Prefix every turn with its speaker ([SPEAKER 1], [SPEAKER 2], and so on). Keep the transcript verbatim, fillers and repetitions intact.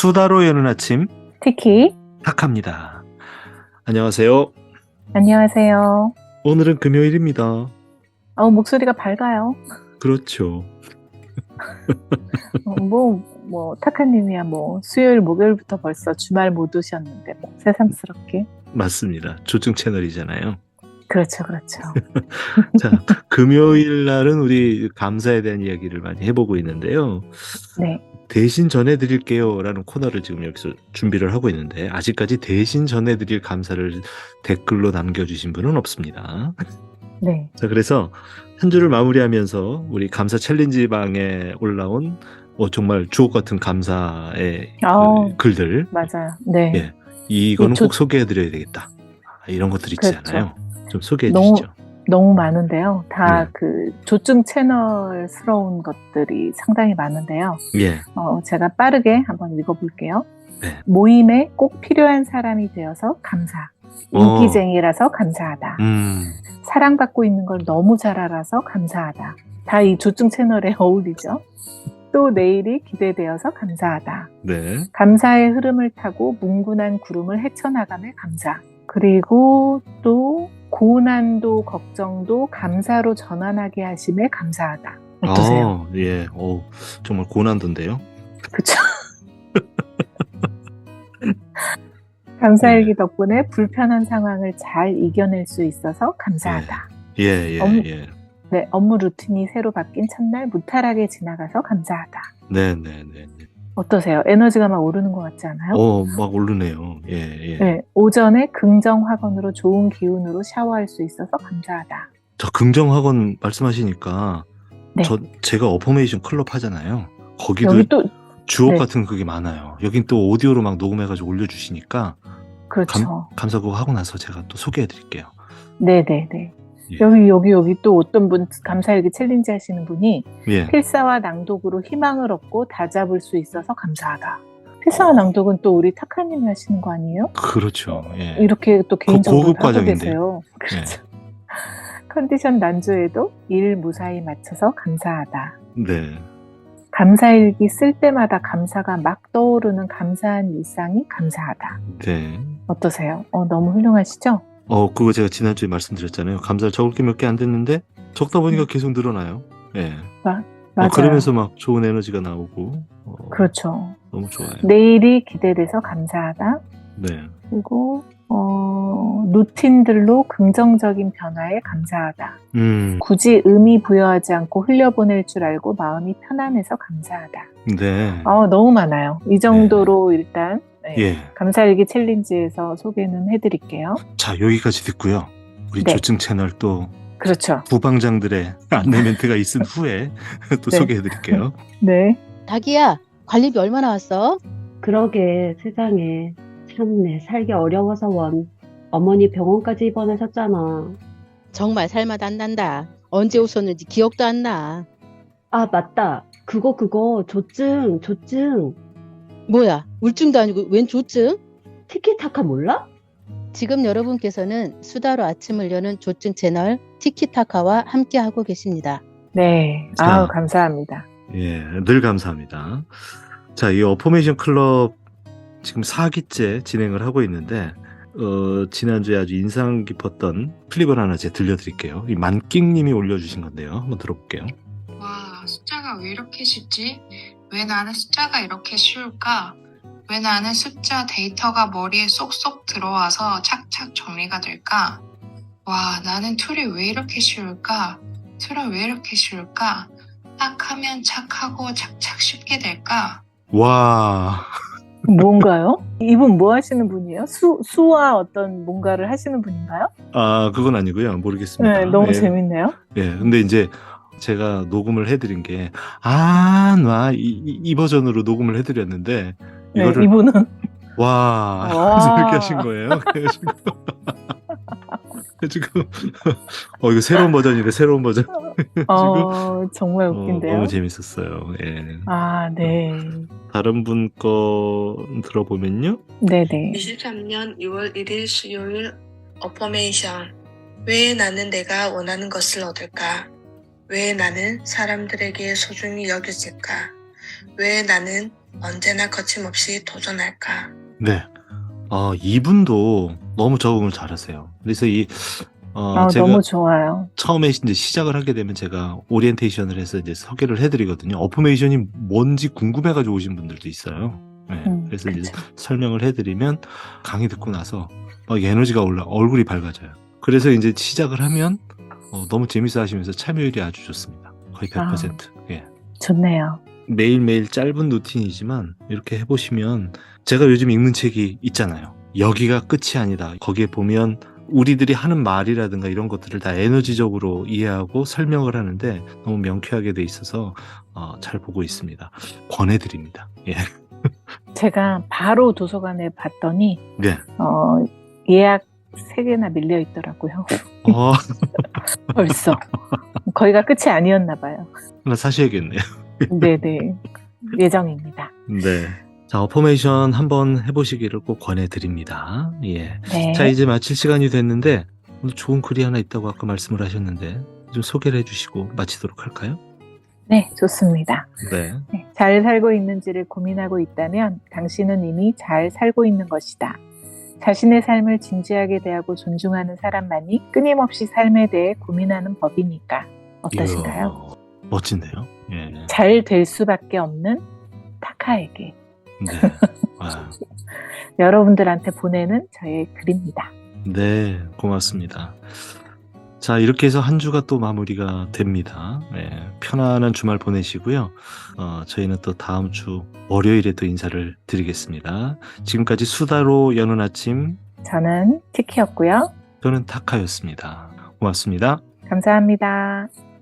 [SPEAKER 1] 수다로 여는 아침
[SPEAKER 2] 티키.
[SPEAKER 1] 탁합니다. 안녕하세요.
[SPEAKER 2] 안녕하세요.
[SPEAKER 1] 오늘은 금요일입니다.
[SPEAKER 2] 어, 목소리가 밝아요.
[SPEAKER 1] 그렇죠.
[SPEAKER 2] 어, 뭐, 뭐, 타카님이야 뭐, 수요일, 목요일부터 벌써 주말 못 오셨는데, 뭐, 새삼스럽게.
[SPEAKER 1] 맞습니다. 조증 채널이잖아요.
[SPEAKER 2] 그렇죠, 그렇죠.
[SPEAKER 1] 자, 금요일 날은 우리 감사에 대한 이야기를 많이 해보고 있는데요.
[SPEAKER 2] 네.
[SPEAKER 1] 대신 전해드릴게요 라는 코너를 지금 여기서 준비를 하고 있는데 아직까지 대신 전해드릴 감사를 댓글로 남겨주신 분은 없습니다.
[SPEAKER 2] 네.
[SPEAKER 1] 자, 그래서 한 주를 마무리하면서 우리 감사 챌린지 방에 올라온 어, 정말 주옥 같은 감사의
[SPEAKER 2] 어,
[SPEAKER 1] 그 글들.
[SPEAKER 2] 맞아요. 네.
[SPEAKER 1] 예, 이거는
[SPEAKER 2] 이 조-
[SPEAKER 1] 꼭 소개해드려야 되겠다. 아, 이런 것들 있지
[SPEAKER 2] 그렇죠.
[SPEAKER 1] 않아요? 좀 소개해
[SPEAKER 2] 너무,
[SPEAKER 1] 주시죠.
[SPEAKER 2] 너무 많은데요. 다
[SPEAKER 1] 네.
[SPEAKER 2] 그 조증 채널스러운 것들이 상당히 많은데요.
[SPEAKER 1] 예,
[SPEAKER 2] 어, 제가 빠르게 한번 읽어볼게요.
[SPEAKER 1] 네.
[SPEAKER 2] 모임에 꼭 필요한 사람이 되어서 감사. 인기쟁이라서 감사하다.
[SPEAKER 1] 음,
[SPEAKER 2] 사랑받고 있는 걸 너무 잘 알아서 감사하다. 다 이 조증 채널에 어울리죠. 또 내일이 기대되어서 감사하다.
[SPEAKER 1] 네.
[SPEAKER 2] 감사의 흐름을 타고 뭉근한 구름을 헤쳐나감에 감사. 그리고 또 고난도 걱정도 감사로 전환하게 하심에 감사하다. 어떠세요?
[SPEAKER 1] 어, 예, 어, 정말 고난도인데요.
[SPEAKER 2] 그쵸? 감사일기 덕분에 불편한 상황을 잘 이겨낼 수 있어서 감사하다.
[SPEAKER 1] 예, 예,
[SPEAKER 2] 업무,
[SPEAKER 1] 예.
[SPEAKER 2] 네, 업무 루틴이 새로 바뀐 첫날 무탈하게 지나가서 감사하다.
[SPEAKER 1] 네, 네, 네. 네.
[SPEAKER 2] 어떠세요? 에너지가 막 오르는 것 같지 않아요?
[SPEAKER 1] 어, 막 오르네요. 예, 예.
[SPEAKER 2] 네, 오전에 긍정 학원으로 좋은 기운으로 샤워할 수 있어서 감사하다.
[SPEAKER 1] 저 긍정학원 말씀하시니까
[SPEAKER 2] 네.
[SPEAKER 1] 저 제가 어포메이션 클럽 하잖아요. 거기도
[SPEAKER 2] 여기 또
[SPEAKER 1] 주옥
[SPEAKER 2] 네.
[SPEAKER 1] 같은 그게 많아요. 여긴 또 오디오로 막 녹음해가지고 올려주시니까
[SPEAKER 2] 그렇죠.
[SPEAKER 1] 감, 감사 그거 하고 나서 제가 또 소개해드릴게요.
[SPEAKER 2] 네네네.
[SPEAKER 1] 예.
[SPEAKER 2] 여기 여기 여기 또 어떤 분 감사일기 챌린지 하시는 분이
[SPEAKER 1] 예.
[SPEAKER 2] 필사와 낭독으로 희망을 얻고 다잡을 수 있어서 감사하다. 필사와 낭독은 또 우리 타카님이 하시는 거 아니에요?
[SPEAKER 1] 그렇죠. 예.
[SPEAKER 2] 이렇게 또 개인적으로
[SPEAKER 1] 고급
[SPEAKER 2] 하고
[SPEAKER 1] 과정인데.
[SPEAKER 2] 계세요. 그렇죠. 컨디션 난조에도 일 무사히 맞춰서 감사하다.
[SPEAKER 1] 네.
[SPEAKER 2] 감사일기 쓸 때마다 감사가 막 떠오르는 감사한 일상이 감사하다.
[SPEAKER 1] 네.
[SPEAKER 2] 어떠세요? 어, 너무 훌륭하시죠?
[SPEAKER 1] 어, 그거 제가 지난주에 말씀드렸잖아요. 감사를 적을 게 몇 개 안 됐는데 적다 보니까
[SPEAKER 2] 음.
[SPEAKER 1] 계속 늘어나요. 예.
[SPEAKER 2] 마,
[SPEAKER 1] 어,
[SPEAKER 2] 맞아요.
[SPEAKER 1] 그러면서 막 좋은 에너지가 나오고. 어,
[SPEAKER 2] 그렇죠.
[SPEAKER 1] 너무 좋아요.
[SPEAKER 2] 내일이 기대돼서 감사하다.
[SPEAKER 1] 네.
[SPEAKER 2] 그리고 어, 루틴들로 긍정적인 변화에 감사하다.
[SPEAKER 1] 음.
[SPEAKER 2] 굳이 의미 부여하지 않고 흘려보낼 줄 알고 마음이 편안해서 감사하다.
[SPEAKER 1] 네.
[SPEAKER 2] 어, 너무 많아요. 이 정도로 일단 네,
[SPEAKER 1] 예.
[SPEAKER 2] 감사일기 챌린지에서 소개는 해드릴게요.
[SPEAKER 1] 자, 여기까지 듣고요. 우리
[SPEAKER 2] 네.
[SPEAKER 1] 조증 채널 또
[SPEAKER 2] 그렇죠.
[SPEAKER 1] 부방장들의 안내 멘트가 있은 후에 또
[SPEAKER 2] 네.
[SPEAKER 1] 소개해드릴게요.
[SPEAKER 2] 네.
[SPEAKER 3] 자기야, 관리비 얼마나 왔어?
[SPEAKER 4] 그러게 세상에 참내 살기 어려워서 원 어머니 병원까지 입원하셨잖아.
[SPEAKER 3] 정말 살맛 안 난다. 언제 오셨는지 기억도 안 나.
[SPEAKER 4] 아 맞다 그거 그거 조증 조증
[SPEAKER 3] 뭐야, 우울증도 아니고 웬 조증?
[SPEAKER 4] 티키타카 몰라?
[SPEAKER 3] 지금 여러분께서는 수다로 아침을 여는 조증 채널 티키타카와 함께하고 계십니다.
[SPEAKER 2] 네.
[SPEAKER 1] 자.
[SPEAKER 2] 아우, 감사합니다.
[SPEAKER 1] 예, 늘 감사합니다. 자, 이 어포메이션 클럽 지금 사 기째 진행을 하고 있는데 어, 지난주에 아주 인상 깊었던 클립을 하나 제가 들려드릴게요. 이 만끽님이 올려주신 건데요. 한번 들어볼게요.
[SPEAKER 5] 와, 숫자가 왜 이렇게 쉽지? 왜 나는 숫자가 이렇게 쉬울까? 왜 나는 숫자 데이터가 머리에 쏙쏙 들어와서 착착 정리가 될까? 와, 나는 툴이 왜 이렇게 쉬울까? 툴은 왜 이렇게 쉬울까? 딱 하면 착하고 착착 쉽게 될까?
[SPEAKER 1] 와,
[SPEAKER 2] 뭔가요? 이분 뭐 하시는 분이에요? 수, 수와 어떤 뭔가를 하시는 분인가요?
[SPEAKER 1] 아, 그건 아니고요. 모르겠습니다.
[SPEAKER 2] 네, 너무
[SPEAKER 1] 예,
[SPEAKER 2] 재밌네요.
[SPEAKER 1] 예, 근데 이제 제가 녹음을 해드린 게, 아, 나, 이, 이, 이 버전으로 녹음을 해드렸는데,
[SPEAKER 2] 네,
[SPEAKER 1] 이거를,
[SPEAKER 2] 이분은
[SPEAKER 1] 와,
[SPEAKER 2] 와.
[SPEAKER 1] 이렇게 하신 거예요. 그래가지고, 그래가지고, 어, 이거 새로운 버전이래, 새로운 버전.
[SPEAKER 2] 어, 정말
[SPEAKER 1] 어,
[SPEAKER 2] 웃긴데요.
[SPEAKER 1] 너무 재밌었어요. 예.
[SPEAKER 2] 아, 네.
[SPEAKER 1] 다른 분 거 들어보면요.
[SPEAKER 2] 네네.
[SPEAKER 5] 이십삼 년 유월 일일 수요일 어포메이션. 왜 나는 내가 원하는 것을 얻을까? 왜 나는 사람들에게 소중히 여겨질까? 왜 나는 언제나 거침없이 도전할까?
[SPEAKER 1] 네. 어, 이분도 너무 적응을 잘하세요. 그래서 이, 어,
[SPEAKER 2] 아,
[SPEAKER 1] 제가
[SPEAKER 2] 너무 좋아요.
[SPEAKER 1] 처음에 이제 시작을 하게 되면 제가 오리엔테이션을 해서 이제 소개를 해드리거든요. 어포메이션이 뭔지 궁금해가지고 오신 분들도 있어요. 네,
[SPEAKER 2] 음,
[SPEAKER 1] 그래서 이제
[SPEAKER 2] 그쵸.
[SPEAKER 1] 설명을 해드리면 강의 듣고 나서 막 에너지가 올라, 얼굴이 밝아져요. 그래서 이제 시작을 하면 어, 너무 재밌어 하시면서 참여율이 아주 좋습니다. 거의 백 퍼센트. 예.
[SPEAKER 2] 좋네요.
[SPEAKER 1] 매일매일 짧은 루틴이지만 이렇게 해보시면 제가 요즘 읽는 책이 있잖아요. 여기가 끝이 아니다. 거기에 보면 우리들이 하는 말이라든가 이런 것들을 다 에너지적으로 이해하고 설명을 하는데 너무 명쾌하게 돼 있어서 어, 잘 보고 있습니다. 권해드립니다. 예.
[SPEAKER 2] 제가 바로 도서관에 봤더니
[SPEAKER 1] 네.
[SPEAKER 2] 어, 예약 세 개나 밀려 있더라고요.
[SPEAKER 1] 어,
[SPEAKER 2] 벌써. 거기가 끝이 아니었나 봐요.
[SPEAKER 1] 하나 사셔야겠네요.
[SPEAKER 2] 네네. 예정입니다.
[SPEAKER 1] 네. 자, 어포메이션 한번 해보시기를 꼭 권해드립니다. 예.
[SPEAKER 2] 네.
[SPEAKER 1] 자, 이제 마칠 시간이 됐는데 오늘 좋은 글이 하나 있다고 아까 말씀을 하셨는데 좀 소개를 해주시고 마치도록 할까요?
[SPEAKER 2] 네, 좋습니다.
[SPEAKER 1] 네.
[SPEAKER 2] 네, 잘 살고 있는지를 고민하고 있다면 당신은 이미 잘 살고 있는 것이다. 자신의 삶을 진지하게 대하고 존중하는 사람만이 끊임없이 삶에 대해 고민하는 법이니까. 어떠신가요?
[SPEAKER 1] 이야, 멋진데요? 예.
[SPEAKER 2] 잘 될 수밖에 없는 타카에게.
[SPEAKER 1] 네. 아,
[SPEAKER 2] 여러분들한테 보내는 저의 글입니다.
[SPEAKER 1] 네, 고맙습니다. 자, 이렇게 해서 한 주가 또 마무리가 됩니다. 예, 편안한 주말 보내시고요. 어, 저희는 또 다음 주 월요일에 또 인사를 드리겠습니다. 지금까지 수다로 여는 아침,
[SPEAKER 2] 저는 티키였고요.
[SPEAKER 1] 저는 타카였습니다. 고맙습니다.
[SPEAKER 2] 감사합니다.